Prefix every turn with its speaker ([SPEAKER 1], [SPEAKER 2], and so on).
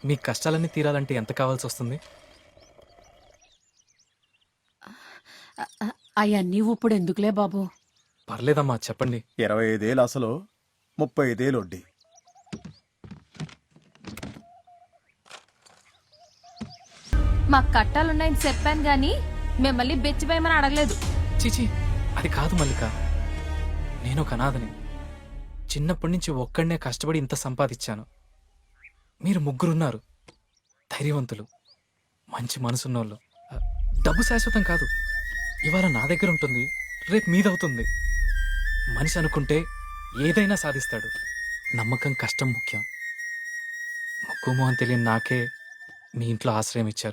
[SPEAKER 1] మీ కష్టాలన్నీ తీరాలంటే ఎంత కావాల్సి వస్తుంది?
[SPEAKER 2] అవన్నీ ఇప్పుడు ఎందుకులే బాబు.
[SPEAKER 1] పర్లేదమ్మా చెప్పండి.
[SPEAKER 3] 25,000 అసలు, 35,000 వడ్డీ.
[SPEAKER 4] మాకు కట్టాలున్నాయని చెప్పాను గాని మిమ్మల్ని బెచ్చివేయమని అడగలేదు.
[SPEAKER 1] చీచీ, అది కాదు మల్లిక. నేను ఒక అనాథని. చిన్నప్పటి నుంచి ఒక్కడనే కష్టపడి ఇంత సంపాదించాను. మీరు ముగ్గురున్నారు, ధైర్యవంతులు, మంచి మనసున్నోళ్ళు. డబ్బు శాశ్వతం కాదు. ఇవాళ నా దగ్గర ఉంటుంది, రేపు మీదవుతుంది. మనిషి అనుకుంటే ఏదైనా సాధిస్తాడు. నమ్మకం, కష్టం ముఖ్యం. ముక్కు మొహం తెలియని నాకే మీ ఇంట్లో ఆశ్రయం ఇచ్చారు.